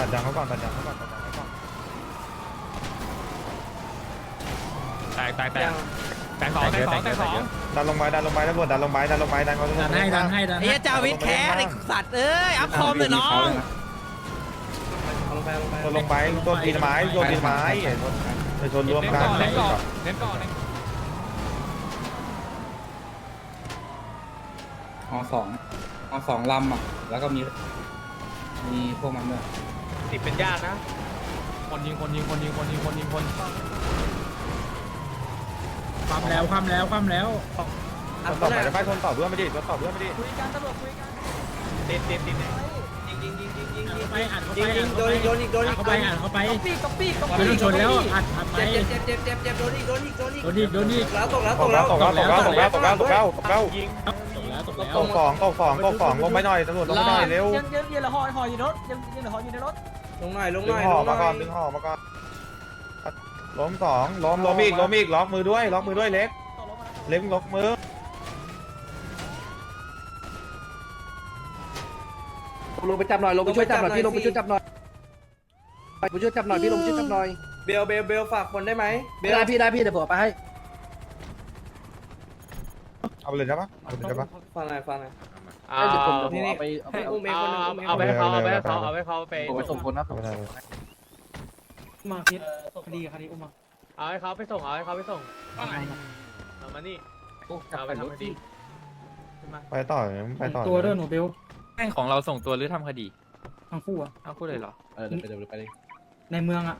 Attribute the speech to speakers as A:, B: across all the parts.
A: ตัดยางเขาก่อนตัดยางเขาก่อนตัดยางเขาก่อน
B: แตกสอง
A: ดันลงไปตำรวจดันลงไปดันเขา
C: ดันให้
D: ไอ้เจ้าวิทย์แคสไอ้สัตว์เอ้ยอัพคอมเลยน้อง
A: ลงไปโดนตีนไม้ไปชนร่วมกัน
B: เล่นก่อน
C: เอาสองลำอ่ะแล้วก็มีพวกมันด้วย
B: ติดเป็นญาตินะคนยิง
D: ความแล้ว
A: ต่อไปจะไปชนต่อเพื่อนไม่ดีชนต่อเพื่อนไม่ดี
D: คุยกันตำรวจคุยกัน
B: ติด
D: ไปอัดเข้าไปโดนอีกเข้าไปก๊อปปี้ไม่ต้องชนแล้วอัดไปเจ็บโดนอีกแล้วตก
B: ยิง
A: ตกสองลงไปหน่อยตำรวจลงไปหน่อยเร็ว
D: ยังเหลือห่ออยู่ในรถยังเหลือห่ออยู่ในรถลงหน่อย
A: ดึงห่อมาก่อนล้มสองล้มอีกล็อกมือด้วยเล็กล็อกมือ
E: ลงไปจับหน่อยลงไปช่วยจับหน่อยพี่ลงไปช่วยจับหน่อยไปช่วยจับหน่อยพี่ลงไปช่วยจับหน่อยเบลฝากคนได้ไหมได้พี่เดี๋ยวผมไปให้
A: เอาไปเลยใช่ปะ
E: ฟังหน่อย
B: เอาไปให้เขาไป
E: ผมไปส่งคนนะ
D: มาคิดคดีอุ้มมา
B: เอาให้เขาไปส่งเอามานี่เอาไปทำคดี
A: ไปต่อ
D: ตัวด้วยหนูเบล
F: แม่งของเราส่งตัวหรือทำคดี
D: ทั้งคู่อะ
F: เอาพูดเลยเหรอ
E: เดี๋ยวไปเลย
D: ในเมืองอะ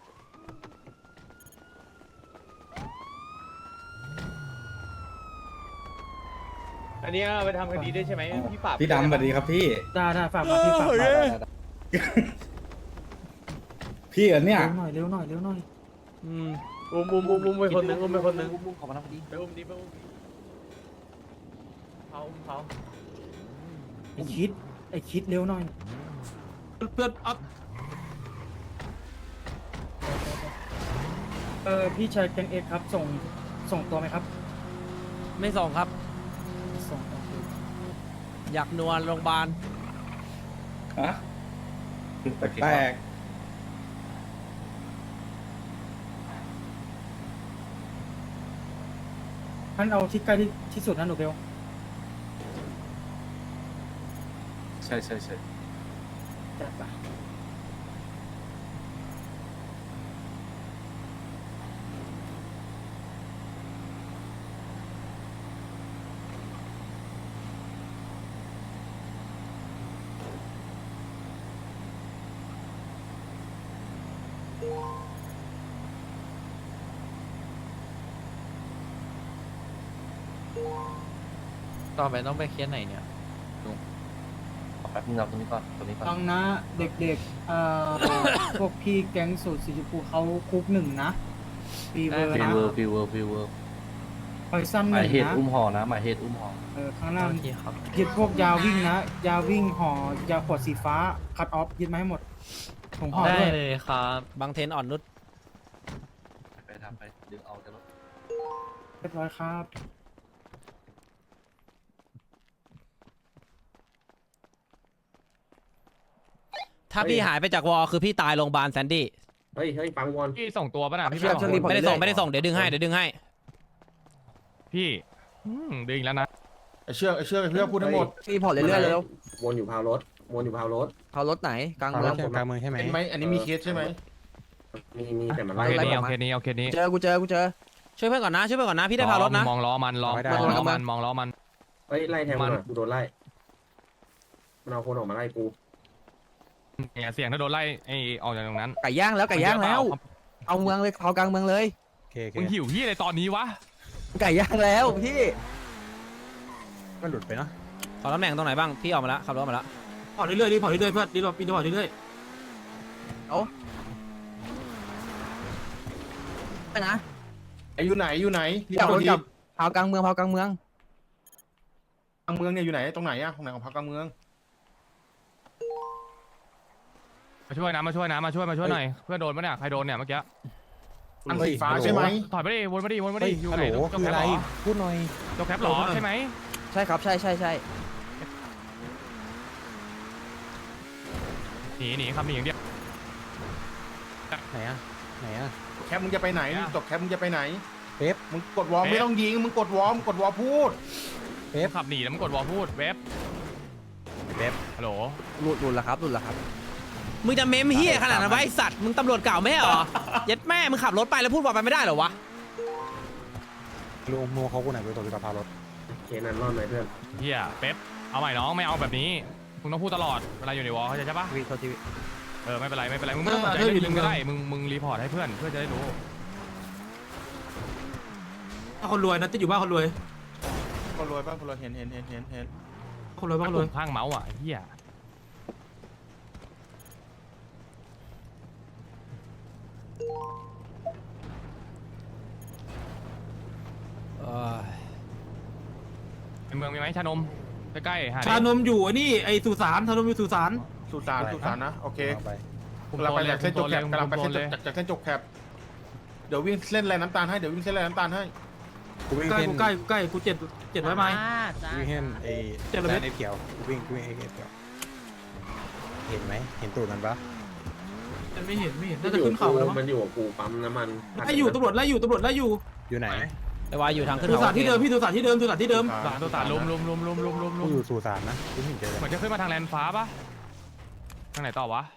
B: อันนี้ไปทำคดีได้ใช่ไหมพี่ฝาก
C: พี่ดำสวัสดีครับพี่
D: ได้ฝากมาพี่ฝากมา
C: พี่เหรอเนี่ย
D: เร็วหน่อย
B: อุ้มไปคนนึง
E: ขอมาทำคดี
B: ไปอุ้มดิเขา
D: ไอ้คิดเร็วหน่อย
B: เพื่อนอัพ
D: พี่ชายแกงเอ็กครับส่งตัวไหมครับ
G: ไม่ส่งครับ
D: ส่ง
G: อยากนวลโรงพยาบาล
C: ฮะแปลก
D: ท่านเอาที่ใกล้ที่สุดนะหนูเบล
C: ใช่
D: จัดไป
F: ต่อไปต้องไปเคสไหนเนี่ย
E: แป๊บนึงเราตรงนี้ก่อน
D: ฟังนะเด็กๆ พวกพี่แก๊งสูตรสีชมพูเขาคุก1นะฟีเวอร์นะ
E: ฟิวเวอร์
D: พอยซัน
E: หมายเหตุ
D: 1นะ
E: อุ้มห่อนะหมายเหตุอุ้มห่อ
D: ข้างล่าง
F: โอเคครับ
D: ยึดพวกยาวิ่งนะ ยาวิ่งห่อยาขวดสีฟ้าคัดออฟยึดมาให้หมดถุงห่อ
F: ได้
D: ด้วย
F: เลยครับ
G: บางเทนอ่อนนุช
E: ไปทำไปดึงเอาจะลด
D: เรียบร้อยครับ
G: ถ้าพี่หายไปจากวอลคือพี่ตายโรงพยาบาลแซนดี้
E: เฮ้ยฟังวอน
B: พี่ส่งตัวป่ะนะพี่
G: ไม่ได้ส่งเดี๋ยวดึงให้
B: พี่ดึงแล้วนะ
A: เชื่อเพื่อพูดทั้งหมด
E: พี่พอเรื่อยๆแล้ววนอยู่พาวรถพาวรถไหนกลางเมือง
A: กลางเมืองใช่ไหมเป็นไหมอันนี้มีเคสใช่ไหม
E: มีแต่มัน
B: เอา
E: ไล่
B: เคสนี้
E: เจอกูเจอ
G: ช่วยเพื่อนก่อนนะพี่ได้พารถนะ
B: มองล้อมันมองล้อมัน
E: เฮ้ยไล่แทงมันกูโดนไล่มันเอาคนออกมาไล่กู
B: เสียงถ้าโดนไล่ไอ้ออกจากตรงนั้น
E: ไก่ย่างแล้วเอาเมืองเลยเอากลางเมืองเลย
B: มึงหิวพี่อะไรตอนนี้วะ
E: ไก่ย่างแล้วพี่
A: มันหลุดไปเนาะ
G: ขอตำแหน่งตรงไหนบ้างพี่ออกมาแล้วขับรถมาแล้ว
D: พอเรื่อยๆเพื่อนรีบพอเรื่อย
E: ไปนะ
A: อยู่ไหน
E: จับรถจับพาวกลางเมือง
A: กลางเมืองเนี่ยอยู่ไหนตรงไหนอะของไหนของพักกลางเมือง
B: มาช่วยหน่อยเพื่อนโดนปะเนี่ยใครโดนเนี่ยเมื่อกี้
A: อันสีฟ้าใช่ไหม
B: ถอยไปดิวนมาดิอยู่ไหนจกแคปหรอ
A: พูดหน่อย
B: จกแคปหรอใช่ไหม
E: ใช่ครับใช่
B: หนีครับหนีอย่างเดียว
D: ไหนอะไหนอะ
H: แคปมึงจะไปไหนจบแคปมึงจะไปไหน
D: เป๊ป
H: มึงกดวอลไม่ต้องยิงมึงกดวอลพูด
F: ขับหนีแล้วมันกดวอลพูดเว็บฮัลโหล
E: หลุดแล้วครับ
G: มึงจะเมมเฮียขนาดนั้นไวะไอ้สัตว์มึงตำรวจเก่าไม่ใช่เหรอยัดแม่มึงขับรถไปแล้วพูดบอกไปไม่ได้เหรอวะ
D: ลุงโมเขาคนไหนไปตัวกับพารถ
E: เคนั้นรอดไหมเพื่อน
F: เฮียเป๊ปเอาใหม่น้องไม่เอาแบบนี้มึงต้องพูดตลอดเวลาอยู่ในวอลเข้าใจใช่ปะ
E: วีเขาทีวี
F: ไม่เป็นไรมึงไม่ต้องสนใจเรื่องยิงก็ได้มึงรีพอร์ตให้เพื่อนจะได้รู้
D: คนรวยนะจะอยู่บ้านคนรวย
H: คนรวยป่ะคนรวยเห็น
D: คนรวยบ้านคนรวย
F: ข้างเมาส์อ่ะเฮีย ในเมืองมีไหมชานมใกล้ๆหาดิ
D: ชานมอยู่ไอ้นี่ไอ้สุสานชานมอยู่สุสาน
H: สุสานนะโอเค
F: คุม
H: กำลัง
F: โซ
H: ไป
F: นเลย
H: จากเส้นจบแคป
F: คุม
H: กำลังไป
F: โซนเลย
H: จากเส้นจบแคปเดี๋ยววิ่งเส้นแรงน้ำตาลให้
D: กูใกล้กูเจ็ดร้อยไม้
I: วิ่งเห็นไอ้
D: เจ็ดร้อยเมตร
I: ไอ้เขียววิ่งให้เขียวเห็นไหมเห็นตูดมันปะ
D: ไม่เห็นน่าจะขึ้นเขาแล้วมั้ง
E: มันอยู่กับกูปั๊มน้ำมัน
D: ไล่อยู่ตำรวจไล่อยู่
I: อยู่ไหน
G: ไอ้วายอยู่ทางขึ้น
D: สุ
G: เขา
D: สานที่เดิมพี่สุสานที่เดิม
F: ตัวตาลุม
I: กูอยู่สุสานนะกูเห็นเจอ
F: เหมือนจะขึ้นมาทางแลนฟ้าปะทางไหนต่อวะ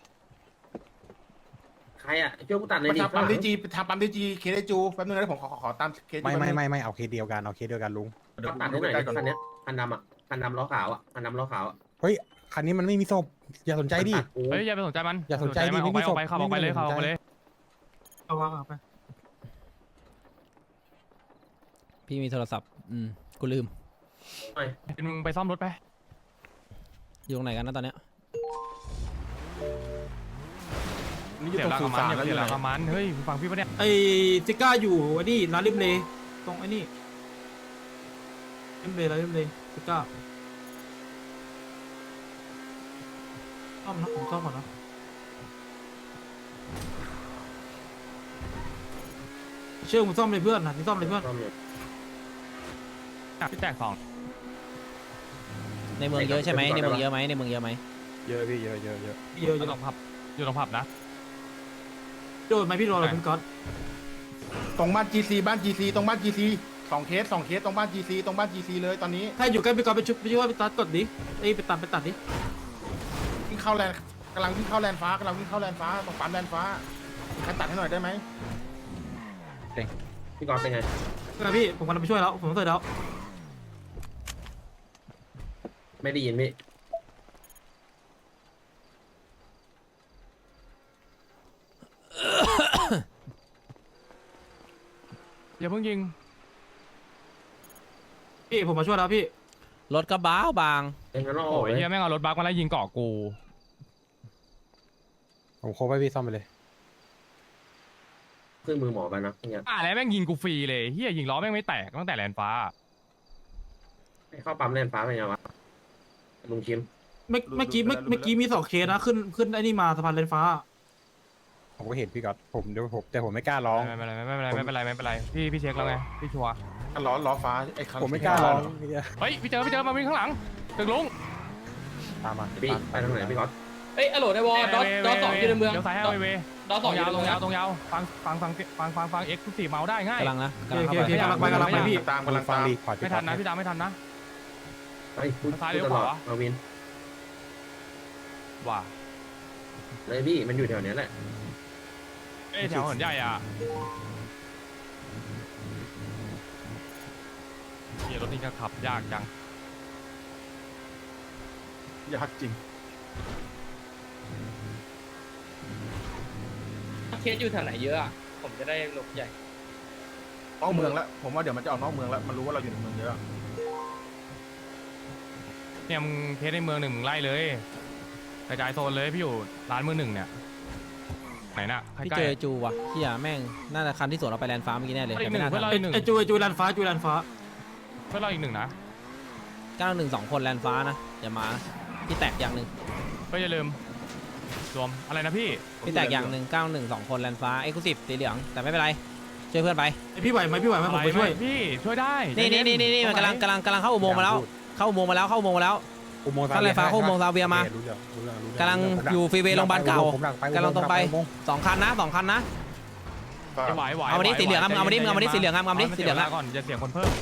E: ใครอ่ะช่วยกูตัดเลย
H: มา
E: ดิ
H: ทำปั๊มดีจีเคสจูแป๊บนึงนะผมขอตามเคส
I: ไม่เอาเคสเดียวกันลุง
E: ตัดให้หน่อยคันนี้คันดำอ่ะคันดำล้อขาวอ่ะคันดำล้อขาวอ่ะ
I: เฮ้ยคันนี้มันไม่มีศพอย่าสนใจดิ
F: เฮ้ยอย่าไปสนใจมัน
I: อย่าสนใจดิ
F: ออก
I: ไม่
F: ไป
I: มีศพ
F: ขับออกไปเลย
D: เอาวางไป
G: พี่มีโทรศัพท์กูลืม
F: มึงไปซ่อมรถไป
G: อยู่ตรงไหนกันนะตอนเนี้ย
H: นี่อยู่
F: เสีย
H: ตรง
F: รา
H: สุ
F: คามัน
H: สาน
F: อย่าไปเสียราคามันเฮ้ยฟังพี่ปะเนี่ย
D: ไอ้ซิก้าอยู่ไอ้นี่ร้านริมเลตรงไอ้นี่ริมเลร้านริมเลซิก้าซ่อมนะผมซ่อมก่อนนะเชื่อผมซ่อมเลยเพื่อนนะที่ซ่อมเลยเพื่อน
F: พี่แตกสอง
G: ในเมืองเยอะใช่ไหมในเมืองเยอะไหมในเมืองเยอะไหม
I: เยอะพี่เยอะ
D: เยอะ
F: อยู่ตรงผับนะ
D: โดนไหมพี่โดนอะไรคุณก๊อต
H: ตรงบ้าน GC ตรงบ้าน GC 2 เคสตรงบ้าน GC เลยตอนนี้
D: ถ้าอยู่ใกล้พี่ก๊อตไปช่วยพี่ตัดกดดิไปตัดดิ
H: วิ่งเข้าแลนกำลังวิ่งเข้าแลนฟ้าตรงปั๊มแลนฟ้าใครตัดให้หน่อยได้ไหม
E: พี่กอล์ฟเป็นไง
D: พี่ผมกำลังไปช่วยแล้วผมเสร็จแล้ว
E: ไม่ได้ยินพี่
F: อย่าเพิ่งยิง
D: พี่ผมมาช่วยแล้วพี่
G: รถกระบ้าบาง
E: เป็นงั้นเราอ
F: โอ้
E: อก
F: ย
E: เลย
F: เฮียแม่งเอารถบัสมาไล่ยิงเกาะกู
I: ผมโคบให้พี่ซ่อมไปเลย
E: เครื่องมือหมอไปนะเนี่ย
F: แล้วแม่งยิงกูฟรีเลยเฮียยิงล้อแม่งไม่แตกตั้งแต่แลนฟ้า
E: เข้าปั๊มแลนฟ้าเป็นไงวะลุงคิม
D: เมื่อกี้มี2 เคสนะขึ้นไอ้นี่มาสะพานเลนฟ้า
I: ผมก็เห็นพี่ก๊อตแต่ผมไม่กล้าร้อง
F: ไม่เป็นไรพี่เช็คแล้วไงพี่ชัวร์
H: ล้อฟ้าไอ้คัน
I: ผมไม่กล้าร้อง
F: เฮ้ยพี่เจอมาวิ่งข้างหลังตึกลุง
I: ตามมา
E: พี่ไปทางไหนพี่กอล์ฟ
B: เอ้ยอโหลในวอลดอสองอยู่ในเมือง
F: เดี๋ยวซ้ายให้เว
B: ดอส
F: ต
B: อ
F: รง ง
B: อยู่
F: ยาว
B: ใน
F: ตร
B: เมือง
F: งยาวตรงยาวฟังเอ็กซ์สี่เมาได้ง่าย
G: กำลังนะ
D: โอเคกำลังไปพี่
H: ตามกำลัง
I: ฟัง
H: ตาม
I: รีพอร์ต
F: ไม่ทันนะพี่ดาวไม่ทันนะ
E: ไปพูด
F: ซ้ายเลี้ยว
E: ต
F: ข
E: ล
F: วา
E: อดมาวิน
F: ว่า
E: เลยพี่มันอยู่แถวเนี้ยแหละ
F: แถวหันใหญ่อ่ะเฮียรถนี่ก็ขับยากจัง
H: ยากจริง
B: เคสอยู่แถวไหนเยอะอะผมจะได้หลบใหญ่
H: นอกเมืองแล้วผมว่าเดี๋ยวมันจะออกนอกเมืองแล้วมันรู้ว่าเราอยู่ในเมืองเยอะ
F: เนี่ยมึงเทสในเมืองหนึ่งมึงไล่เลยกระจายโซนเลยพี่อยู่ร้านมือหนึ่งเนี่ยไหนน่ะใก
G: พี่
F: ล้
G: เจอจูว่ะเฮียแม่งน่าจะคันที่สวนเราไปแลนด์ฟ้าเมื่อกี้แน่เลยแต่ไม่น่า
F: เพื่อนเรา
G: ทัน
F: อีกหนึ่ง
D: ไอ้จูแลนฟ้า
F: เพื่อนเราอีกหนึ่งนะ
G: 91 2 คนแลนด์ฟ้านะอย่ามาพี่แตกอย่างหนึ่ง
F: ก็อย่าลืมรวมอะไรนะพี่
G: พี่แตกอย่างหนึ่ง91 2 คนแลนด์ฟ้าเอ็กซ์คลูซีฟสีเหลืองแต่ไม่เป็นไรช่วยเพื่อนไป
D: พี่ไหวไหมผมไปช่วย
F: พี่ช่วยได้
G: นี่มันกำลังเข้าอุโมงค์มาแล้วเข้าอุโมงค์มาแล้ว
I: อุโมงค์
G: ข้างแลนฟ้าเข้าอุโมงค์ซาเวียมา
I: รู้เรื่องรู้เรื่องรู้เรื่อง
G: กำลังอยู่ฟรีเวย์โรงพยาบาลเก่า
I: ผมดักไป
G: กำลังตรงไป
I: อุโมค์
G: 2 คันนะ2 คันนะ
F: ไหว
G: เอามาดิสีเหลืองครับเอามาดิเอามาดิสีเหลืองครับเอามาดิสีเหลืองครับ
F: ก่อนจะเสียคนเพิ่ม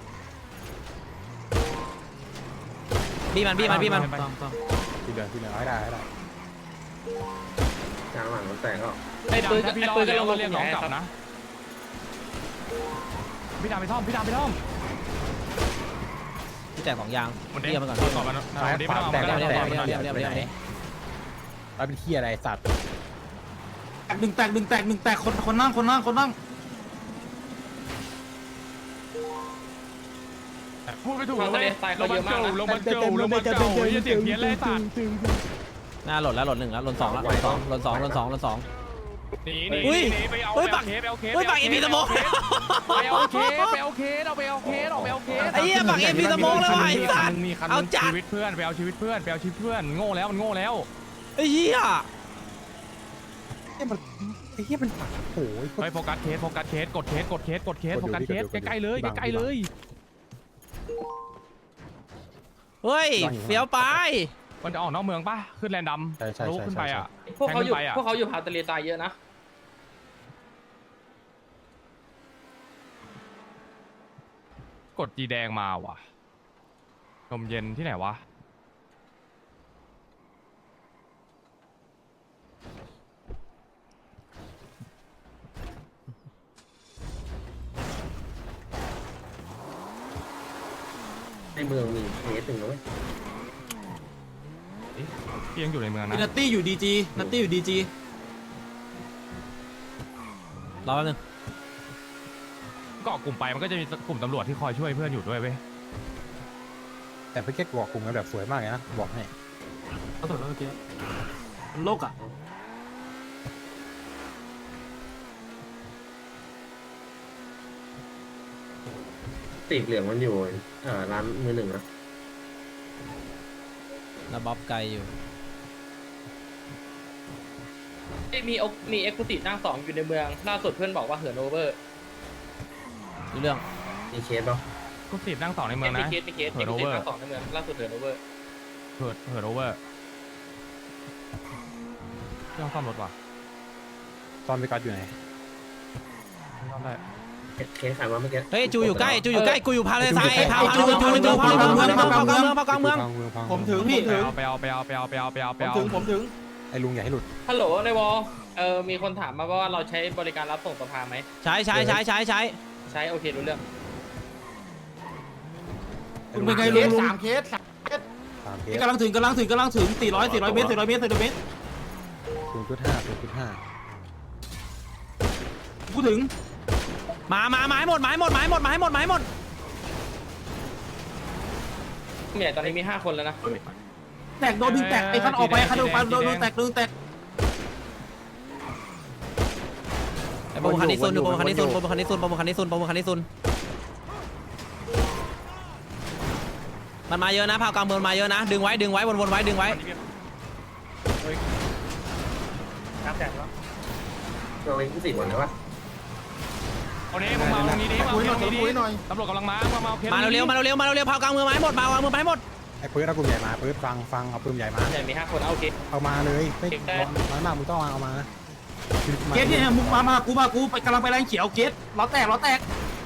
G: บี้มัน
I: ที่เหลือให้ได้
E: กลางหลังมันแตกก็
F: ไอ้ดำถ้าพี่รอดแล้วก็เรียกน้องกลับนะพี่ดำไปท่อม
G: พี่แจก2 ยาง
F: มันเด้
G: เรียกมันก่อน
F: ก่อนมันเด้ไม่ต้องเอา
G: เรียก
F: มัน
G: เรียก
F: ก่อน
G: เรียกเรียกเรียกเรียก
I: แล้วเป็นที่อะไรสัตว์
H: หนึ่งแตกคนนั่ง
F: พูดไม่ถูกเลยลงมันเก่าเสียงเพี้ยนเลยสัตว์
G: หน้าหล่นแล้วหล่น1แล้วหล่น2แล้วหล่น2หล่น 2
F: หนี
G: อุ้ย
F: ไปเอา
G: อุ้ย
F: เค
G: ปัก
F: สไปเอาเคส
G: อุ้ยปักเอ็มพีสโมก
F: ไปเอาเคสเอาไปเอาเคส
G: ไอ้เหี้ยปักเอ็มพีสโมกเลยว่ะไอ้สัตว์เอาจัด
F: ชีวิตเพื่อนไปเอาชีวิตเพื่อนโง่แล้วมันโง่แล้ว
G: ไอ้เหี้ย
I: ไอ้เหี้ยมันปักโอ้ย
F: ไปโฟกัสเคสกดเคสโฟกัสเคสใกล้ๆเลย
G: เฮ้ยเฟี้ยวไป
F: มันจะออกนอกเมืองป่ะขึ้นแลนดำรู้ขึ้นไปอ่ะ
B: พวกเขาอยู่พาวทะเลทรายเยอะนะ
F: กดจีแดงมาว่ะลมเย็นที่ไหนวะ
E: ในเมืองมีเคสหนึ่งเลย
F: พี่ยังอยู่ในเมืองนะ
H: นัตตี้อยู่ดีจี
G: รอแป๊บนึง
F: เกาะกลุ่มไปมันก็จะมีกลุ่มตำรวจที่คอยช่วยเพื่อนอยู่ด้วยเว้ย
I: แต่พี่เก็ตบอกกลุ่มกันแบบสวยมากเลยนะบอกให้
H: เขาสวยแล้วเมื่อกี้โลกอ่ะ
E: ตีกเหลืองมันอยู่ร้านมือหนึ่งนะ
G: แล้วบ๊อบไกลอยู่
B: มีเอ็กซ์คูตินั่ง2อยู่ในเมืองล่าสุดเพื่อนบอกว่าเหินโอเวอร์
G: ดูเรื่อง
E: มีเคสป่ะ
F: ก็สิบนั่งต่อในเมืองนะ
B: มีเคสเอ็กซ์คูตินั่ง2ในเมืองล่าสุดเหินโอเวอร์
F: เหินโอเวอร์เครื่องซ่อมรถว่ะ
I: ตอนพี่กัดอยู่ไหน
F: ซ่อมได้
E: เคสขายมาเมื่อกี้
G: เฮ้ยจูอยู่ใกล้กูอยู่พาเลทรายพากลางเมือง
H: ผมถึงพี่
F: ไปเอา
H: ผมถึง
I: ไอ้ลุงอย่าให้หลุด
B: ฮัลโหลในวอลมีคนถามมาว่าเราใช้บริการรับส่งสภาไหมใช้โอเครู้เรื่อง
H: เป็นไงลุง3 เคส
I: 3 เคส
H: กำลังถึง400 เมตร
I: 0.5
H: กูถึง
G: มาให้หมด
B: เนี่ยตอนนี้มี5คนแล้วนะ
H: แตกโดนดึงแตกไอ้คันออกไปคันโดนแตก
G: ไอ้โปรโมคันนี้ซุนมันมาเยอะนะพาวกลางเมืองมาเยอะนะดึงไว้วนไว้ดึงไว้
E: เราเองผู้สิบหมดเลยวะ
F: เอานี้มึงมาตรงนี้ดิมาตรงนี้ดิตำรวจกำลังมาเคส
G: มาเร็วพาวกลางเมืองมาให้หมดมาให้หมด
I: ไอ้ปื๊ดเอากลุ่มใหญ่มาปื๊ดฟังเอาปืนใหญ่มา
B: แต่มี5คนโอเค
I: เอามาเลยไม่น้อยมากมึงต้องเอามา
H: เคสเนี่ยมึงมากูไปกำลังไปแรงเขียวเคสล้อแตกแล้วแตก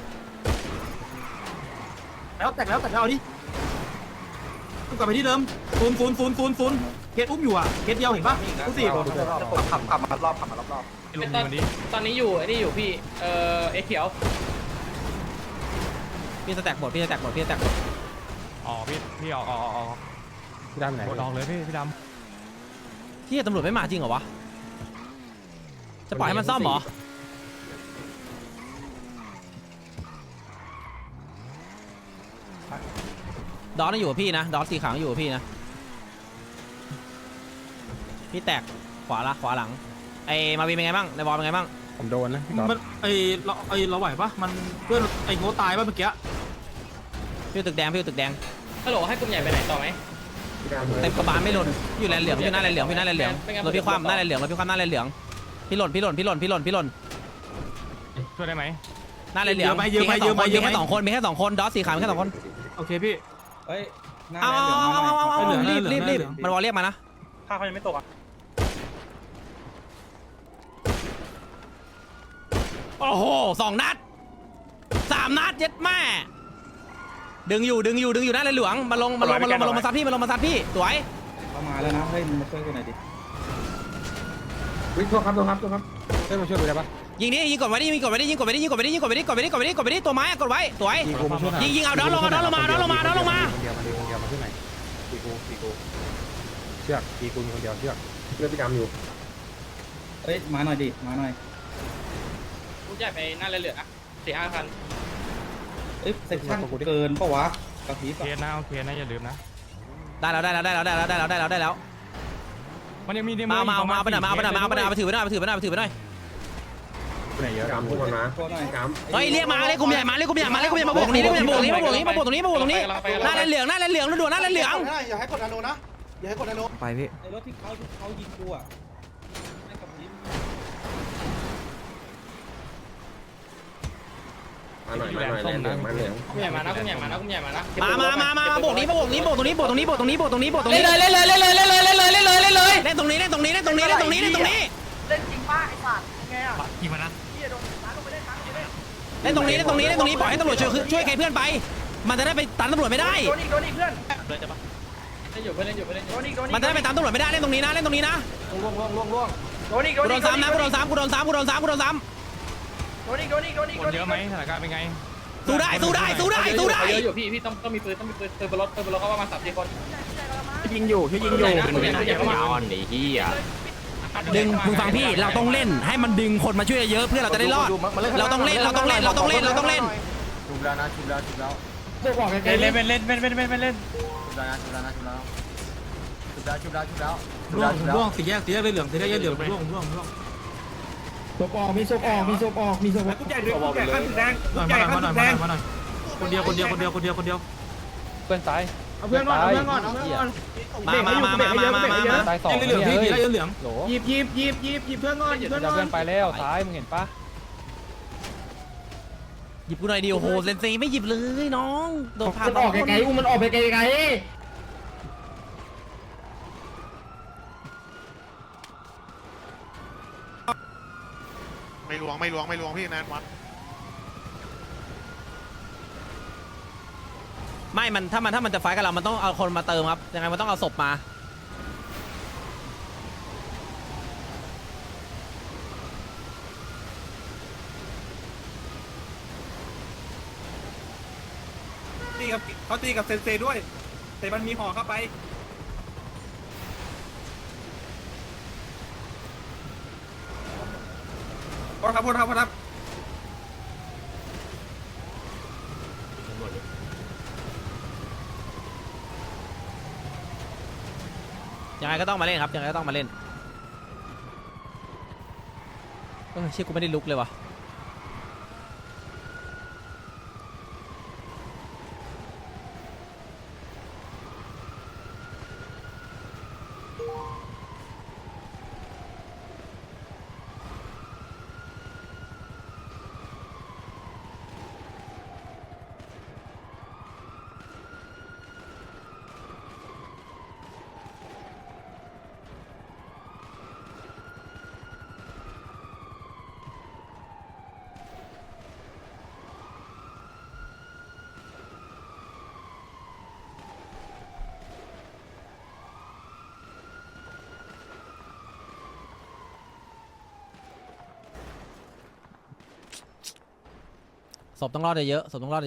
H: เอาดิกลับไปที่เดิมศูนย์เคสอุ้มอยู่อ่ะเคสเดียวเห็นปะกูสิขับมารอบ
B: ตอนนี้อยู่ไอ้นี่อยู่พี่เอ็กเขียว
G: พี่สแต็กหมด
F: อ๋อพี่ออก
I: พี่ดำไหน
F: กดออกเลยพี่ด
G: ที่ตำรวจไม่มาจริงเหรอวะจะปล่อยให้มันซ่อมเหรอดอสอยู่กับพี่นะดอสสีขาวอยู่กับพี่นะพี่แตกขวาหลังไอ้มาวีเป็นไงบ้างในบอลเป็นไงบ้าง
I: ผมโดนนะ
H: มันเราไหวปะมันเพื่อนไอ้โง่ตายปะเมื่อกี้
G: พี่ตึกแดง
B: ฮัลโหลให้กลุ่มใหญ่ไปไหนต่อไหม
G: เต็มกระบาลไม่หล่นอยู่แลนเหลืองอยู่หน้าแลนเหลืองรถพี่คว่ำหน้าแลนเหลืองพี่หล่น
F: ช่วยได้ไหม
G: หน้าแลนเหลืองมีแค่2คนดอสสีขาวแค่2คน
H: โอเคพี่
E: เฮ้ย
G: เอารีบมันวอลเรียกมานะ
H: ข้าเขายังไม่ตกอ่ะ
G: โอ้โห2 นัด 3 นัดเย็ดแม่ดึงอยู่นั่นเลยเหลืองมาลงมาซัดพี่สวย
C: เข้ามาแล้วนะเฮ้ยมึงมาช่วยกันหน่อยดิ
I: วิ่งโทษครับเฮ้ยมาช่วยดูได้ปะ
G: ยิงกดไว้ดิตัวไม้กดไว้สวยยิงเอาดอนลงมา
I: คนเดียวมาขึ้นไหนตีกูเชือกตีกูมีคนเดียวเชือกเลือดพี่ดำอยู่
C: เฮ้ยมาหน่อยดิมาหน่อย
B: กูจ่ายไปหน้าเหลือ4-5 พัน
C: เอ้ยเซ็กชั่นเกินปะวะกระพริบ
F: เคสนะโอเคนะอย่าลืมนะ
G: ได้แล้ว
F: มันยังมีใน
G: มาไปหน่อยถือไปหน่อย
I: ไหนเยอะดำพวกมันมา
C: โทษหน่อย
I: ดำ
G: เฮ้ยเรียกมาเรียกกลุ่มใหญ่มาโบกตรงนี้หน้าเหลืองด่วนหน้าเหลือง
H: อย่าให้กดนาโนนะอย่าให้กดนาโน
G: ไปพี่
C: ไอ้รถที่เขายิงกูอ่ะไม่กระพริบ
I: มาหน่อยเหลือง
B: กูใหญ่มานะ
G: มาโบกนี้ตรงนี้เล่นตรงนี้เล่นตรงนี้เล่นตรงนี้
E: เล่นจริงป้าไอ้สัตว์ไงอ่ะ
F: กี่มันนะ
G: เล่นตรงนี้ปล่อยให้ตำรวจช่วยใครเพื่อนไป มันจะได้ไปตันตำรวจไม่ได้
E: โดนอีกเพื่อน
B: เล่นอยู่เพื่อน
E: โดนอีก
G: มันจะได้ไปตามตำรวจไม่ได้เล่นตรงนี้นะ
E: โดนอีก
G: กูโดนซ้ำนะกูโดนซ้ำ
B: คน
F: เยอะไหมสถานการณ์เป็นไง
G: สู้ได้
B: เยอะอยู่พี่ต้องมีปืนบนรถเขาประมาณ3-4 คน
H: ยิงอยู่
G: ดึงมึงฟังพี่เราต้องเล่นให้มันดึงคนมาช่วยเยอะเพื่อเราจะได้รอดเราต้องเล่น
I: ชุบแล้วนะ
F: เล่น
H: ร่วงสี่แยกเลยเหลืองร่วงศพออกมีศพออกกูใหญ่ด้วยกูใหญ่ขั้นแดงมาหน่อยคนเดียว
F: เพื่อนตาย
H: เอาเพื่อนก่อน
G: มา
F: ตาย2
H: เหลืองพี่เหลืองหยิบเพื่อนก่อน
F: เพื่อนไปแล้วซ้ายมึงเห็นปะ
G: หยิบกูหน่อยดิโอ้โหเซนซีไม่หยิบเลยน้องโดนพา
H: มันออกไกลๆมันออกไปไกล
A: ไม่ลวงพี่นานวัด
G: ไม่มันถ้ามันจะไฟกับเรามันต้องเอาคนมาเติมครับยังไงมันต้องเอาศพมา
H: เขาตีกับเซนเซด้วยแต่มันมีห่อเข้าไปพอครับ
G: ยังไงก็ต้องมาเล่นครับยังไงก็ต้องมาเล่นเชี่ยกูไม่ได้ลุกเลยวะศพต้องรอดเยอะ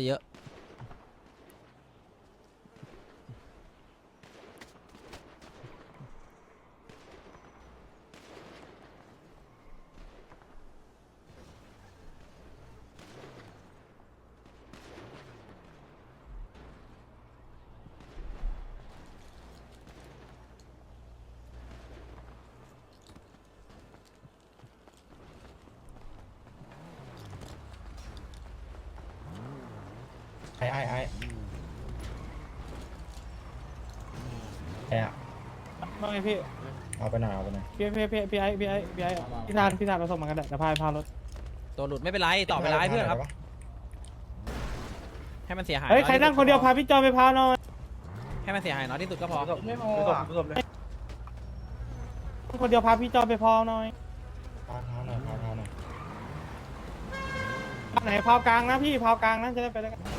I: ไอ้
H: ว่าไงพี่
I: เอาไปหน่อย
H: พี่ทานเราส่งมากันเดี๋ยวพารถ
G: ตัวหลุดไม่เป็นไรต่อไปไลฟ์เพื่อนครับให้มันเสียหาย
H: เฮ้ยใครนั่งคนเดียวพาพี่จอมไปพาหน่อย
G: ใให้มันเสียหายน้อยที่สุดก็พอ
E: ไม่พอ
A: คนเดียวพาพี่จอไปพอหน่อยไหนพาวกลางนะพี่พาวกลางนะจะได้ไปด้วยกัน